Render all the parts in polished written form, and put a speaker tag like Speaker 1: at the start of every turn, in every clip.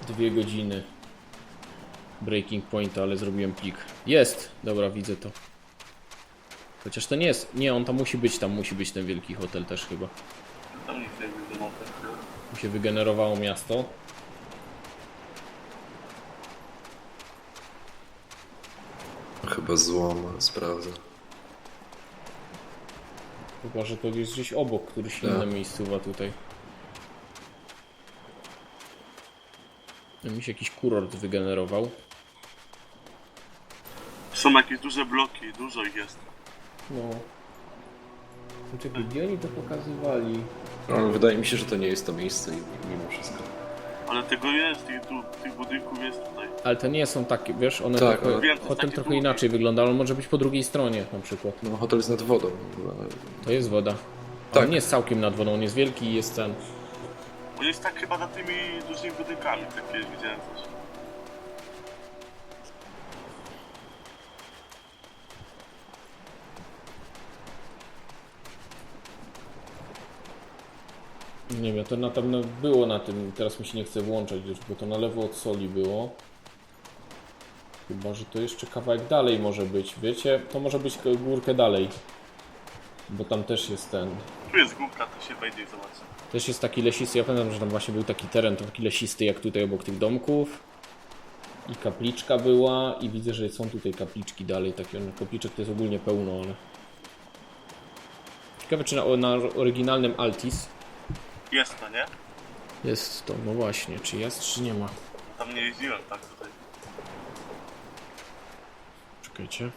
Speaker 1: 2 godziny breaking pointa, ale zrobiłem plik. Jest! Dobra, widzę to. Chociaż to nie jest... Nie, on tam musi być ten wielki hotel też chyba.
Speaker 2: Tam nic nie wiadomo.
Speaker 1: Tu się wygenerowało miasto.
Speaker 3: Chyba złom, sprawdzę.
Speaker 1: Chyba, że to jest gdzieś obok, któryś inna miejscowa tutaj. Mi się jakiś kurort wygenerował.
Speaker 2: Są jakieś duże bloki, dużo ich jest.
Speaker 1: No. Czekaj, gdzie oni to pokazywali?
Speaker 3: Ale wydaje mi się, że to nie jest to miejsce mimo wszystko.
Speaker 2: Ale tego jest, tych budynków jest tutaj.
Speaker 1: Ale to nie są takie, wiesz, one
Speaker 3: Tak,
Speaker 1: trochę,
Speaker 3: ale-
Speaker 2: Wiem, to jest
Speaker 1: hotel
Speaker 2: takie
Speaker 1: trochę
Speaker 2: długie.
Speaker 1: inaczej wygląda, ale on może być po drugiej stronie na przykład.
Speaker 3: No hotel jest nad wodą. Ale...
Speaker 1: To jest woda.
Speaker 3: Tak.
Speaker 1: On nie jest całkiem nad wodą, on jest wielki i jest ten.
Speaker 2: On jest tak chyba za tymi dużymi budynkami, takie widziałem coś.
Speaker 1: Nie wiem, to na pewno było na tym, teraz mi się nie chce włączać już, bo to na lewo od soli było. Chyba, że to jeszcze kawałek dalej może być, wiecie? To może być górkę dalej. Bo tam też jest ten...
Speaker 2: Tu jest górka, to się wejdzie i zobaczy.
Speaker 1: Też jest taki lesisty, ja pamiętam, że tam właśnie był taki teren, to taki lesisty jak tutaj obok tych domków. I kapliczka była i widzę, że są tutaj kapliczki dalej, takie kapliczek to jest ogólnie pełno, ale... Ciekawe czy na oryginalnym Altis
Speaker 2: Jest to, nie?
Speaker 1: jest to, no właśnie, czy jest, czy nie ma.
Speaker 2: Tam nie jeździłem, tak tutaj.
Speaker 1: Czekajcie.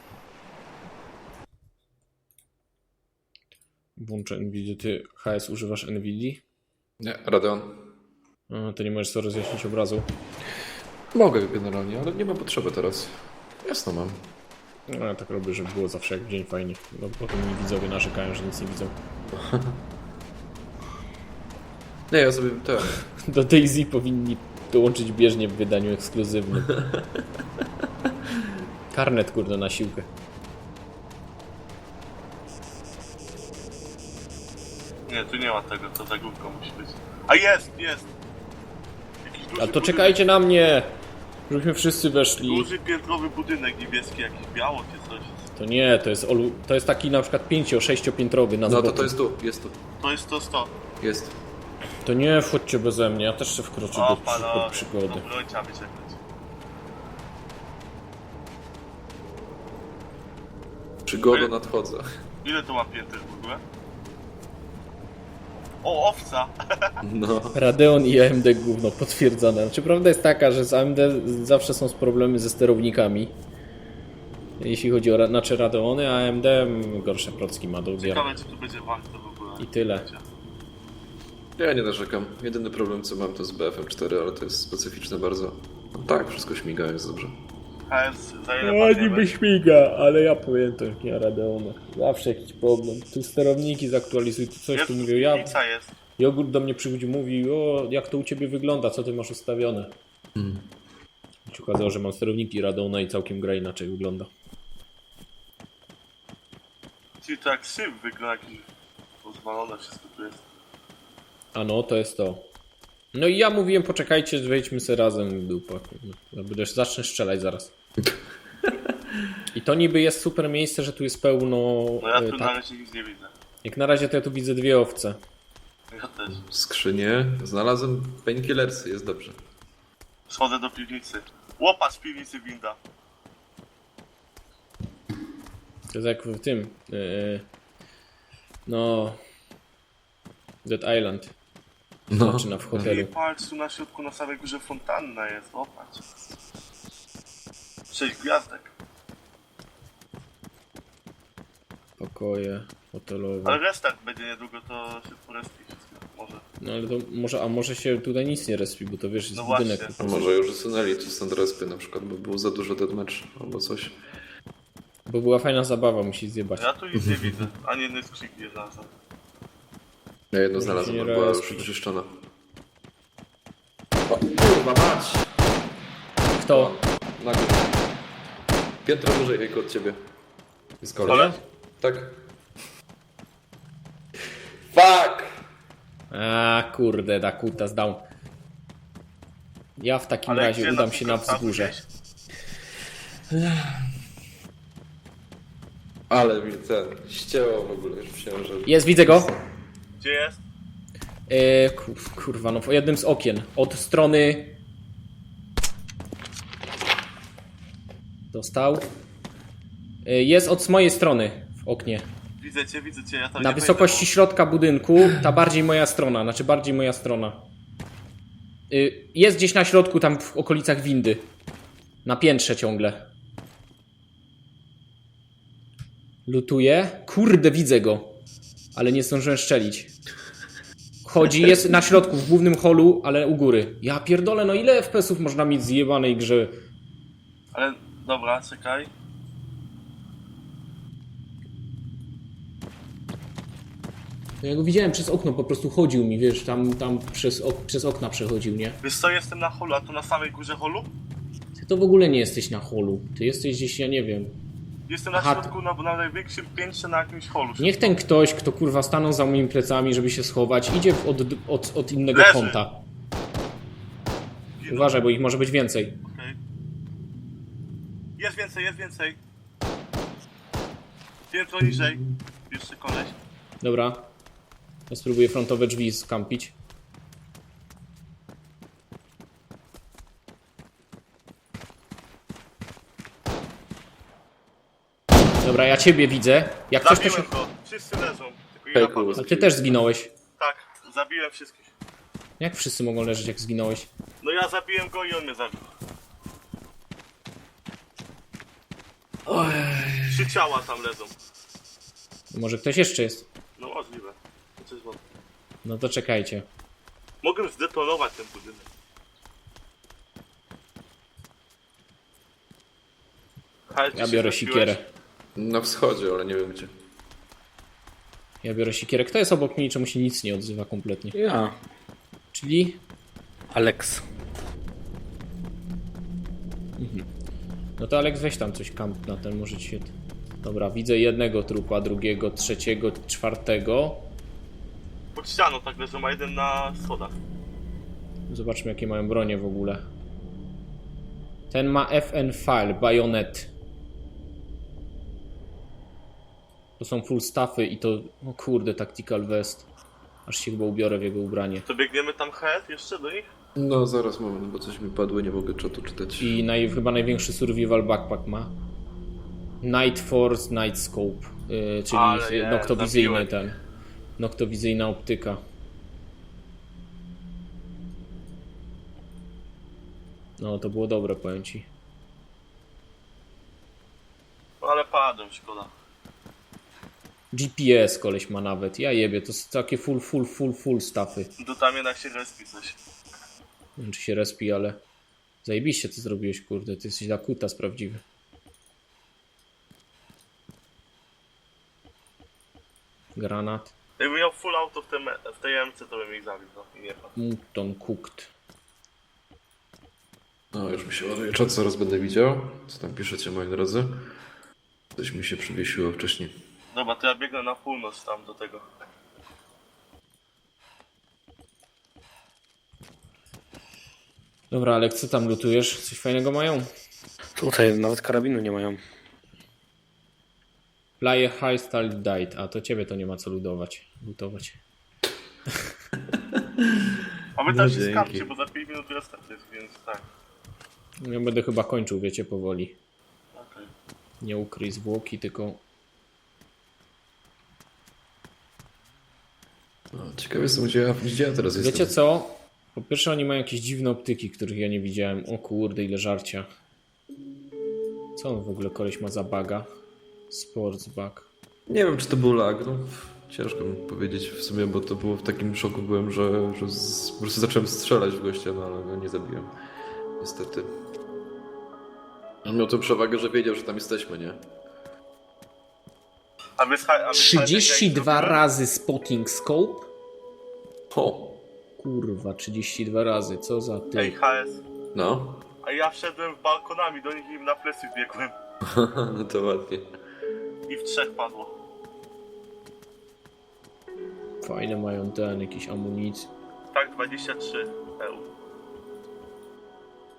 Speaker 1: Włączę NVIDIA. Ty HS używasz NVIDIA?
Speaker 3: Nie, Radeon.
Speaker 1: A, to nie możesz sobie rozjaśnić obrazu.
Speaker 3: Mogę generalnie, ale nie mam potrzeby teraz. Jasno mam.
Speaker 1: No, ja tak robię, żeby było zawsze jak dzień fajnie. No, potem mi widzowie narzekają, że nic nie widzą.
Speaker 3: Nie, ja sobie ten.
Speaker 1: Do DayZ powinni dołączyć bieżnie w wydaniu ekskluzywnym. Karnet, kurde, na siłkę.
Speaker 2: Nie, tu nie ma tego, to za górką musi być. A jest! Jakiś duży
Speaker 1: A to
Speaker 2: budynek,
Speaker 1: czekajcie na mnie! Żebyśmy wszyscy weszli.
Speaker 2: Duży piętrowy budynek niebieski, jakiś biało czy coś.
Speaker 1: To nie, to jest taki na przykład 5-6-piętrowy na
Speaker 3: No
Speaker 1: boku.
Speaker 3: to jest tu, jest tu.
Speaker 2: To jest to 100.
Speaker 3: Jest.
Speaker 1: To nie wchodźcie beze mnie, ja też się wkroczę
Speaker 2: O,
Speaker 1: do
Speaker 2: panowie,
Speaker 1: przygody.
Speaker 2: no broń trzeba wyciągnąć.
Speaker 3: Przygoda nadchodzę.
Speaker 2: Ile to ma pięter w ogóle? O, owca!
Speaker 3: No.
Speaker 1: Radeon i AMD gówno potwierdzone. Znaczy prawda jest taka, że z AMD zawsze są problemy ze sterownikami. Jeśli chodzi o znaczy Radeony, a AMD gorsze procki ma do odbioru.
Speaker 2: Ciekawe, czy tu będzie warto w ogóle.
Speaker 1: I tyle.
Speaker 3: Ja nie narzekam. Jedyny problem co mam to z BFM4, ale to jest specyficzne bardzo. No tak, wszystko śmiga, jest dobrze.
Speaker 2: HS za ile
Speaker 1: No
Speaker 2: padniemy?
Speaker 1: niby śmiga, ale ja pamiętam nie o Radeonach. Zawsze jakiś problem. Tu sterowniki zaktualizuj, tu coś
Speaker 2: Jest,
Speaker 1: tu mówią. Ja,
Speaker 2: piwnica jest.
Speaker 1: Jogurt do mnie przychodzi, mówi, o jak to u ciebie wygląda, co ty masz ustawione. I się okazało, że mam sterowniki Radeona i całkiem gra inaczej wygląda.
Speaker 2: Czyli to jak szyb wygląda, jakiś pozwalone wszystko tu jest.
Speaker 1: A no, to jest to. No i ja mówiłem, poczekajcie, wejdźmy sobie razem w dupa. Ja zacznę strzelać zaraz. I to niby jest super miejsce, że tu jest pełno...
Speaker 2: No ja tu
Speaker 1: tak.
Speaker 2: na razie nic nie widzę.
Speaker 1: Jak na razie to ja tu widzę 2 owce.
Speaker 2: Ja też.
Speaker 3: Skrzynie. Znalazłem painkillersy, jest dobrze.
Speaker 2: Schodzę do piwnicy. Łopa z piwnicy winda.
Speaker 1: To jest jak w tym... no... Dead Island.
Speaker 3: No.
Speaker 1: Zaczyna w
Speaker 2: I
Speaker 1: hotelu.
Speaker 2: patrz, tu na środku na samej górze fontanna jest, popatrz. 6 gwiazdek.
Speaker 1: Pokoje hotelowe.
Speaker 2: Ale restart będzie niedługo, to się poresti wszystko. Może.
Speaker 1: No ale to może się tutaj nic nie respi, bo to wiesz, jest
Speaker 2: No
Speaker 1: budynek.
Speaker 2: właśnie.
Speaker 3: A może już usunęli tu stąd respy na przykład, bo było za dużo deathmatch albo coś.
Speaker 1: Bo była fajna zabawa, musi zjebać.
Speaker 2: Ja tu nic nie widzę. Ani jednej skrzynki nie znalazłem.
Speaker 3: Ja jedno
Speaker 1: Może się
Speaker 3: znalazłem,
Speaker 1: nie
Speaker 3: ale była już
Speaker 1: respić.
Speaker 3: wyczyszczona. O, kurwa mać!
Speaker 1: Kto?
Speaker 3: Na górze. Piętro wyżej Ejko, od ciebie. Jest koleś.
Speaker 2: Ale?
Speaker 3: Tak. Fuck!
Speaker 1: A kurde, Dakuta zdał. Ja w takim
Speaker 2: Ale
Speaker 1: razie
Speaker 2: gdzie
Speaker 1: udam się na
Speaker 2: przykład
Speaker 1: wzgórze.
Speaker 2: gdzieś?
Speaker 3: Ale mi ten ścięło w ogóle, już myślałem, że...
Speaker 1: Jest, widzę go.
Speaker 2: Gdzie jest?
Speaker 1: Kurwa, no w jednym z okien. Od strony... Dostał. Jest od mojej strony w oknie.
Speaker 2: Widzę cię, ja tam
Speaker 1: Na
Speaker 2: nie
Speaker 1: wysokości
Speaker 2: wejdę,
Speaker 1: środka budynku, ta bardziej moja strona, znaczy bardziej moja strona. Jest gdzieś na środku, tam w okolicach windy. Na piętrze ciągle. Lutuje. Kurde, widzę go. Ale nie zdążyłem szczelić. Chodzi, jest na środku, w głównym holu, ale u góry. Ja pierdolę, no ile FPS-ów można mieć w zjebanej grze?
Speaker 2: Ale dobra, czekaj.
Speaker 1: Ja go widziałem przez okno, po prostu chodził mi, wiesz, tam przez okna przechodził, nie?
Speaker 2: Wiesz co, jestem na holu, a tu na samej górze holu?
Speaker 1: Ty to w ogóle nie jesteś na holu. Ty jesteś gdzieś, ja nie wiem.
Speaker 2: Jestem na
Speaker 1: Aha.
Speaker 2: środku, na największym piętrze na jakimś holu.
Speaker 1: Niech ten ktoś, kto kurwa stanął za moimi plecami, żeby się schować, idzie od innego
Speaker 2: Leży.
Speaker 1: kąta.
Speaker 2: Ginął.
Speaker 1: Uważaj, bo ich może być więcej.
Speaker 2: Okej. Jest więcej. Piętro niżej. Jeszcze koleś.
Speaker 1: Dobra. Ja spróbuję frontowe drzwi skampić. Dobra, ja ciebie widzę. Jak coś to się...
Speaker 2: Zabiłem go. Wszyscy leżą. Tylko
Speaker 3: Hej,
Speaker 2: ja padłem.
Speaker 1: Ale ty też zginąłeś.
Speaker 2: Tak, zabiłem wszystkich.
Speaker 1: Jak wszyscy mogą leżeć, jak zginąłeś?
Speaker 2: No ja zabiłem go i on mnie zabił. 3 ciała tam leżą.
Speaker 1: Może ktoś jeszcze jest?
Speaker 2: No możliwe. Coś wam-
Speaker 1: No to czekajcie.
Speaker 2: Mogę zdetonować ten budynek. Hej, ty
Speaker 1: Ja
Speaker 2: się
Speaker 1: biorę
Speaker 2: zabiłeś?
Speaker 1: sikierę.
Speaker 3: Na wschodzie, ale nie wiem gdzie.
Speaker 1: Ja biorę sikierę. Kto jest obok mnie i czemu się nic nie odzywa kompletnie?
Speaker 4: Ja.
Speaker 1: Czyli...
Speaker 4: Alex.
Speaker 1: No to Alex, weź tam coś kamp na ten, może ci się... Dobra, widzę jednego trupa, drugiego, trzeciego, czwartego.
Speaker 2: Pod ścianą tak leżą, a jeden na schodach.
Speaker 1: Zobaczmy, jakie mają bronie w ogóle. Ten ma FN File, bajonet. To są full staffy i to... O kurde, tactical vest. Aż się chyba ubiorę w jego ubranie.
Speaker 2: To biegniemy tam head jeszcze do nich?
Speaker 3: No zaraz moment, bo coś mi padło, nie mogę czatu czytać.
Speaker 1: I chyba największy survival backpack ma. Night Force, Night Scope. Czyli
Speaker 2: Ale jest,
Speaker 1: noktowizyjny
Speaker 2: zabiłem.
Speaker 1: ten. Noktowizyjna optyka. No to było dobre, powiem ci.
Speaker 2: No ale padłem, szkoda.
Speaker 1: GPS koleś ma nawet. Ja jebie, to są takie full staffy.
Speaker 2: To tam jednak się respi coś.
Speaker 1: Nie wiem, czy się respi, ale... Zajebiście ty zrobiłeś, kurde. Ty jesteś Dakutas prawdziwy. Granat.
Speaker 2: Jakbym miał full auto w tej MC, to bym ich zabił, no i nie padł.
Speaker 1: Mutton cooked.
Speaker 3: No już mi się ładuje czat, zaraz będę widział. Co tam piszecie, moi drodzy? Coś mi się przywiesiło wcześniej.
Speaker 2: Dobra, to ja biegnę na północ tam do tego.
Speaker 1: Dobra, ale co tam lutujesz? Coś fajnego mają?
Speaker 4: Tutaj nawet karabinu nie mają.
Speaker 1: Player High Style Died. A to ciebie to nie ma co lutować.
Speaker 2: A wy
Speaker 3: No
Speaker 2: tam się
Speaker 3: dzięki.
Speaker 2: skapcie, bo za 5 minut restart jest, więc tak.
Speaker 1: Ja będę chyba kończył, wiecie, powoli.
Speaker 2: Okej.
Speaker 1: Nie ukryj zwłoki, tylko...
Speaker 3: No, ciekawe jestem, gdzie ja teraz jestem.
Speaker 1: Wiecie co? Po pierwsze oni mają jakieś dziwne optyki, których ja nie widziałem. O kurde, ile żarcia. Co on w ogóle koleś ma za baga? Sports bug.
Speaker 3: Nie wiem, czy to był lag, no. Ciężko mi powiedzieć w sumie, bo to było w takim szoku byłem, że po prostu zacząłem strzelać w gościa, no ale go nie zabiłem. Niestety. On miał tę przewagę, że wiedział, że tam jesteśmy, nie?
Speaker 2: A wy
Speaker 1: 32 razy spotting scope?
Speaker 3: O!
Speaker 1: Kurwa, 32 razy, co za
Speaker 2: Ej,
Speaker 1: ty.
Speaker 2: HS.
Speaker 3: No.
Speaker 2: A ja wszedłem w balkonami do nich i im na plecy wbiegłem.
Speaker 3: No to ładnie.
Speaker 2: I w 3 padło.
Speaker 1: Fajne mają ten, jakieś amunicje.
Speaker 2: Tak, 23 EU.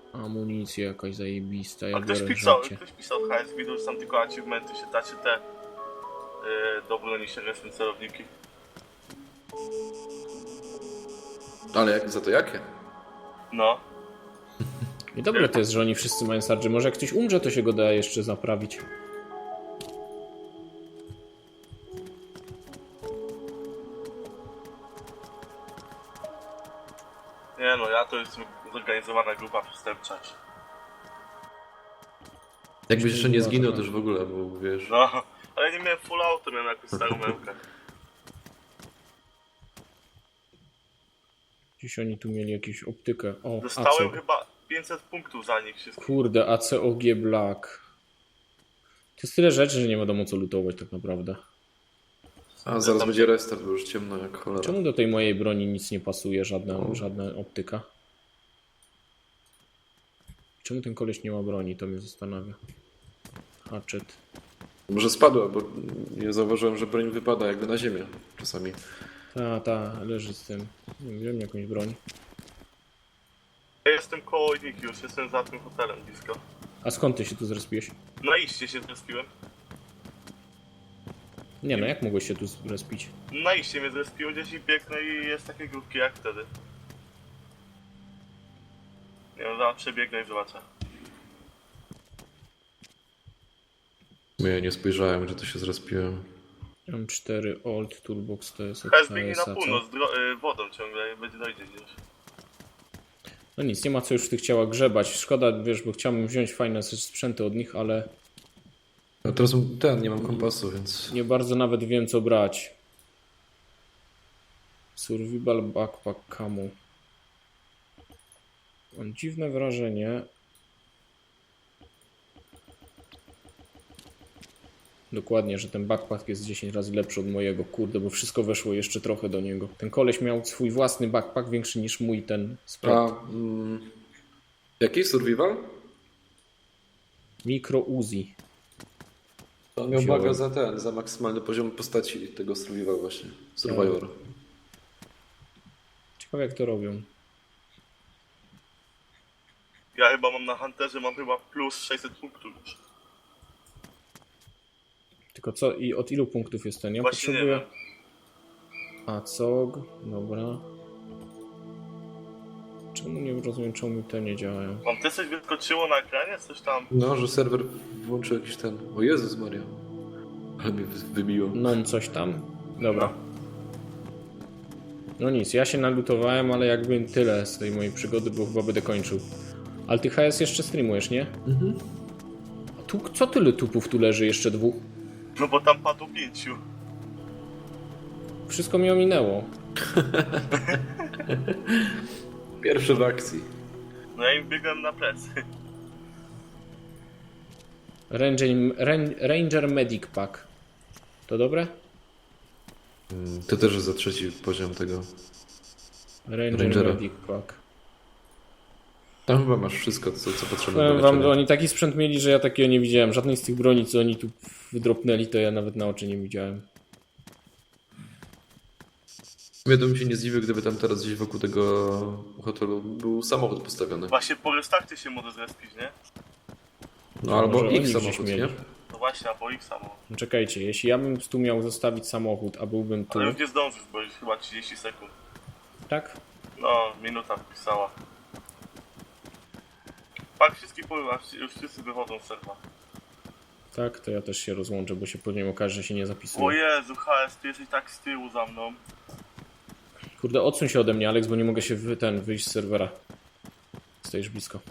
Speaker 1: Amunicja jakaś zajebista,
Speaker 2: A
Speaker 1: ja
Speaker 2: ktoś
Speaker 1: biorę
Speaker 2: pisał,
Speaker 1: życie.
Speaker 2: ktoś pisał HS, widział, że tam tylko achievementy się da, czy te do broni się restem celowniki.
Speaker 3: Ale jak, za to jakie?
Speaker 2: No.
Speaker 1: I dobre to jest, że oni wszyscy mają sarge. Może jak ktoś umrze, to się go da jeszcze naprawić.
Speaker 2: Nie no, ja to jestem zorganizowana grupa przestępcza.
Speaker 3: Jakbyś jeszcze nie
Speaker 1: była
Speaker 3: zginął
Speaker 1: taka-
Speaker 3: też w ogóle, bo wiesz...
Speaker 2: No, ale nie miałem full auto, miałem jakąś starą memkę.
Speaker 1: Gdzieś oni tu mieli jakąś optykę. O,
Speaker 2: Dostałem
Speaker 1: AC.
Speaker 2: chyba 500 punktów za nich wszystkich.
Speaker 1: Kurde, ACOG Black. To jest tyle rzeczy, że nie wiadomo co lutować tak naprawdę.
Speaker 3: A zaraz będzie restart, bo już ciemno jak cholera.
Speaker 1: Czemu do tej mojej broni nic nie pasuje, żadna optyka? Czemu ten koleś nie ma broni, to mnie zastanawia. Hatchet.
Speaker 3: Może spadła, bo ja zauważyłem, że broń wypada jakby na ziemię czasami.
Speaker 1: Ta, leży z tym. Nie wiem, wziąłem jakąś broń.
Speaker 2: Ja jestem koło Niki, już jestem za tym hotelem blisko.
Speaker 1: A skąd ty się tu zrespiłeś?
Speaker 2: Na iście się zrespiłem.
Speaker 1: Nie no, jak mogłeś się tu zrespić?
Speaker 2: Na iście mnie zrespiło gdzieś i biegnę i jest takie grupki jak wtedy. Nie no, zaraz przebiegnę i zobaczę.
Speaker 3: Ja nie spojrzałem, gdzie to się zrespiłem.
Speaker 1: M4 Old Toolbox to jest od
Speaker 2: HS biegnie na
Speaker 1: AS-a, co?
Speaker 2: północ, wodą ciągle, będzie dojdzie gdzieś.
Speaker 1: No nic, nie ma co już w tych ciałach grzebać. Szkoda, wiesz, bo chciałbym wziąć fajne sprzęty od nich, ale
Speaker 3: A teraz nie mam kompasu, więc...
Speaker 1: nie bardzo nawet wiem co brać. Survival Backpack Camo. Mam dziwne wrażenie. Dokładnie, że ten backpack jest 10 razy lepszy od mojego. Kurde, bo wszystko weszło jeszcze trochę do niego. Ten koleś miał swój własny backpack, większy niż mój ten
Speaker 3: A,
Speaker 1: sprat.
Speaker 3: jaki survival?
Speaker 1: Micro Uzi.
Speaker 3: To on miał
Speaker 1: Wziąłem.
Speaker 3: baga za maksymalny poziom postaci tego survival właśnie. Survivor.
Speaker 1: Ciekawe jak to robią.
Speaker 2: Ja chyba mam na Hunterze, mam chyba plus 600 punktów już.
Speaker 1: Tylko co i od ilu punktów jest ten? Ja
Speaker 2: Właśnie nie
Speaker 1: potrzebuję.
Speaker 2: wiem.
Speaker 1: ACOG, dobra. Czemu nie rozumiem, czemu mi te nie działają?
Speaker 2: Wam też coś wyskoczyło na ekranie? Coś tam?
Speaker 3: No, że serwer włączył jakiś ten... O Jezus Maria. Ale mnie wybiło.
Speaker 1: Non coś tam? Dobra. No nic, ja się nalutowałem, ale jakby tyle z tej mojej przygody, bo chyba będę kończył. Ale ty HS jeszcze streamujesz, nie? A tu, co tyle tupów tu leży? Jeszcze dwóch?
Speaker 2: No bo tam padło 5.
Speaker 1: Wszystko mi ominęło.
Speaker 3: Pierwszy w akcji.
Speaker 2: No ja im biegłem na plecy.
Speaker 1: Ranger Medic Pack. To dobre?
Speaker 3: To też jest za trzeci poziom tego.
Speaker 1: Ranger Medic Pack.
Speaker 3: Tam chyba masz wszystko, co potrzebne do
Speaker 1: Powiem wam,
Speaker 3: leczenia.
Speaker 1: oni taki sprzęt mieli, że ja takiego nie widziałem. Żadnej z tych broni, co oni tu wydropnęli, to ja nawet na oczy nie widziałem.
Speaker 3: Ja bym się nie zdziwił, gdyby tam teraz gdzieś wokół tego hotelu był samochód postawiony.
Speaker 2: Właśnie po restarcie się może zrespić, nie?
Speaker 3: No albo
Speaker 1: Może oni
Speaker 3: ich
Speaker 1: gdzieś
Speaker 3: samochód,
Speaker 1: mieli.
Speaker 3: nie?
Speaker 2: No właśnie, albo ich samo.
Speaker 1: No czekajcie, jeśli ja bym tu miał zostawić samochód, a byłbym tu,
Speaker 2: Ale już nie zdążysz, bo już chyba 30 sekund.
Speaker 1: tak?
Speaker 2: No, minuta wpisała. Tak, wszystkich pływa, już wszyscy wychodzą z serwa.
Speaker 1: Tak, to ja też się rozłączę, bo się później okaże, że się nie
Speaker 2: O
Speaker 1: zapisuje.
Speaker 2: Jezu, HS, ty jesteś tak z tyłu za mną.
Speaker 1: Kurde, odsuń się ode mnie, Alex, bo nie mogę się wyjść z serwera. Stoisz blisko.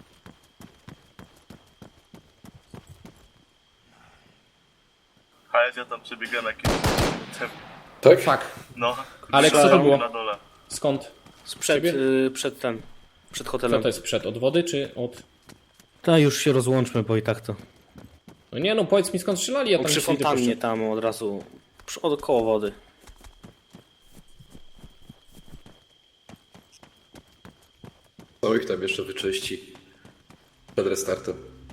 Speaker 2: HS, ja tam przebiegłem jakimś...
Speaker 3: Tak?
Speaker 1: Fuck.
Speaker 2: No.
Speaker 1: Alex, co to
Speaker 2: Strzałem
Speaker 1: było?
Speaker 2: Na dole.
Speaker 1: Skąd?
Speaker 4: Sprzed,
Speaker 1: Ciebie?
Speaker 4: przed
Speaker 1: Co
Speaker 4: hotelem.
Speaker 1: to jest przed? Od wody czy od...
Speaker 4: Ta już się rozłączmy, bo i tak to.
Speaker 1: No nie no, powiedz mi skąd strzelali, ja
Speaker 4: O,
Speaker 1: tam
Speaker 4: przy
Speaker 1: nie idę
Speaker 4: fontannie tam od razu. Od koło wody.
Speaker 3: Co ich tam jeszcze wyczyści przed restartem.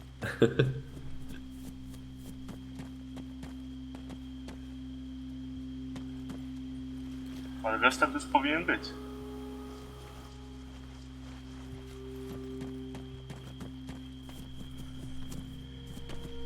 Speaker 2: Ale restart już powinien być.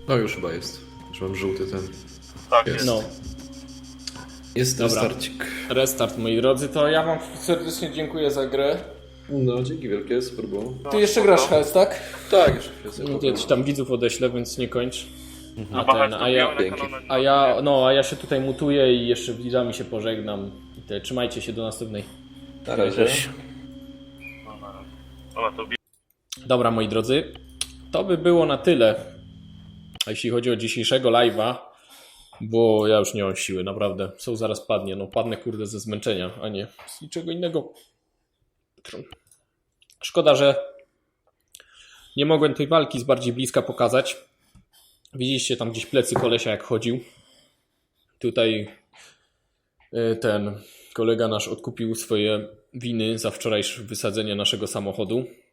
Speaker 3: No już chyba jest. Już mam żółty ten.
Speaker 2: Tak,
Speaker 3: Jest.
Speaker 2: jest.
Speaker 1: No,
Speaker 3: Jest
Speaker 1: Dobra.
Speaker 3: restarcik.
Speaker 1: restart moi drodzy, to ja wam serdecznie dziękuję za grę.
Speaker 3: No, dzięki wielkie, super było.
Speaker 1: Ty jeszcze grasz Hels, tak?
Speaker 3: Tak, jeszcze chwilę sobie
Speaker 1: No, ja
Speaker 3: pogram.
Speaker 1: ci tam widzów odeślę, więc nie kończ.
Speaker 2: A Bachać to
Speaker 1: ja,
Speaker 2: bijemy na kanale.
Speaker 1: a ja się tutaj mutuję i jeszcze widzami się pożegnam. I trzymajcie się do następnej.
Speaker 3: Na razie.
Speaker 2: No, na razie. Dobra, to
Speaker 1: Dobra, moi drodzy, to by było na tyle, jeśli chodzi o dzisiejszego live'a, bo ja już nie mam siły, naprawdę. Są zaraz padnie, no padnę kurde ze zmęczenia, a nie z niczego innego. Szkoda, że nie mogłem tej walki z bardziej bliska pokazać. Widzieliście tam gdzieś plecy kolesia jak chodził. Tutaj ten kolega nasz odkupił swoje winy za wczorajsze wysadzenie naszego samochodu.